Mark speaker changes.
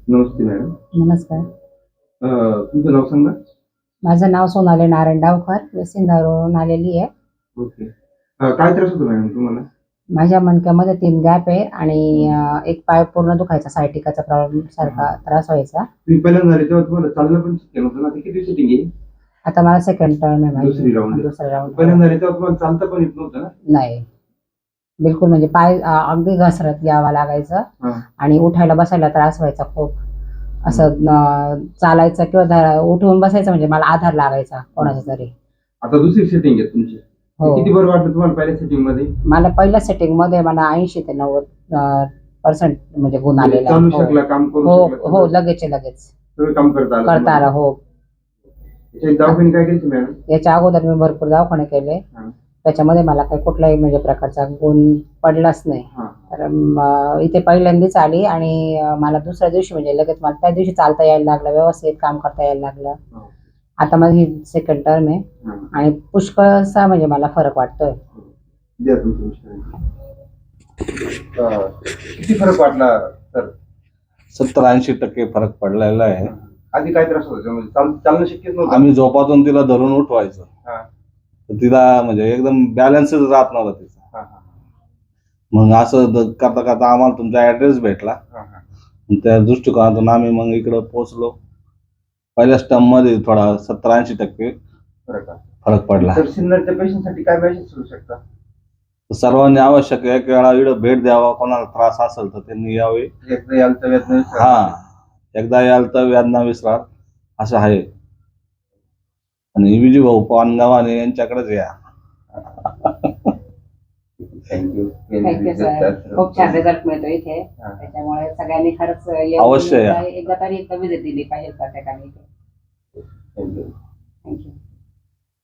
Speaker 1: नमस्ते madam.
Speaker 2: नमस्कार.
Speaker 1: तुमचं नाव सांगा.
Speaker 2: माझं नाव सोनाली नारायण डावकर, वेसिंदावरून आलेली आहे.
Speaker 1: ओके. काय त्रास होतो मॅडम तुम्हाला?
Speaker 2: माझ्या मणक्यामध्ये 3 गॅप आहे आणि एक पाय पूर्ण दुखायचा, सायटिकाचा प्रॉब्लेम सारखा त्रास व्हायचा.
Speaker 1: तुम्ही पहिल्यांदा झाले तेव्हा तुम्हाला चालणं पण शक्य नव्हतं ना? ते किती सिटिंग आहे?
Speaker 2: आता मला सेकंड टर्म आहे माझी.
Speaker 1: दुसरी राऊंड.
Speaker 2: दुसरा राऊंड.
Speaker 1: पहिल्यांदा झाले तेव्हा तुम्हाला चालता पण येत नव्हतं ना?
Speaker 2: नाही, बिलकुल. म्हणजे पाय अगदी घसरत यावं लागायचं
Speaker 1: हां.
Speaker 2: आणि उठायला बसायला त्रास व्हायचा खूप. असं चालायचं किंवा उठून बसायचं म्हणजे मला आधार लागायचा कोणाचा तरी.
Speaker 1: आता दुसरी सेटिंग आहे तुमची.
Speaker 2: हो.
Speaker 1: किती बरं वाटलं तुम्हाला पहिल्या सेटिंग मध्ये?
Speaker 2: मला पहिल्या सेटिंग मध्ये मला 80 ते 90% म्हणजे गुण आलेला.
Speaker 1: चालू शकला, काम करू
Speaker 2: हो
Speaker 1: शकला?
Speaker 2: हो, लगेच
Speaker 1: सगळं काम करता
Speaker 2: आलं. हो.
Speaker 1: दवाखाने काय केले मॅडम?
Speaker 2: याच्या अगोदर मी भरपूर दवाखाने केले. त्याच्यामध्ये मला काही कुठल्याही म्हणजे प्रकारचा गुण पडलाच नाही. तर इथे पहिल्यांदाच आली आणि मला दुसऱ्या दिवशी म्हणजे लगेच मला त्या दिवशी चालता यायला लागलं, व्यवस्थित काम करता यायला लागलं. आता माझी सेकंड टर्म आहे आणि पुष्कळसा म्हणजे मला फरक वाटतोय.
Speaker 1: किती फरक वाटला सर?
Speaker 3: 70-80% फरक पडलेला आहे.
Speaker 1: आधी काय त्रास होता? म्हणजे चालणं शक्यच नव्हतं.
Speaker 3: आम्ही झोपातून तिला धरून उठवायचं, तर तिला म्हणजे एकदम बॅलन्सच राहत नव्हता तिचा. मग असं करता करता आम्हाला तुमचा ऍड्रेस भेटला. त्या दृष्टिकोनातून आम्ही मग इकडं पोहोचलो. पहिल्या स्टम मध्ये थोडा 70-80% फरक पडला.
Speaker 1: तर सिन्नरच्या पेशंटसाठी काय मेसेज करू शकता?
Speaker 3: सर्वांनी आवश्यक एक वेळा इकडं भेट द्यावा. कोणाला त्रास असेल तर त्यांनी यावे.
Speaker 1: एकदा याल तर वेदना विसरा.
Speaker 3: एकदा याल तर वेदना विसरा असं आहे. आणि विजू भाऊ पानगावाने यांच्याकडेच या.
Speaker 1: थँक्यू.
Speaker 2: सर, खूप छान रिझल्ट मिळतो इथे. त्याच्यामुळे सगळ्यांनी खरंच
Speaker 3: अवश्य या.
Speaker 2: एकदा तरी विजिट दिली पाहिजे प्रत्येकाने.
Speaker 1: थँक्यू.
Speaker 2: थँक्यू.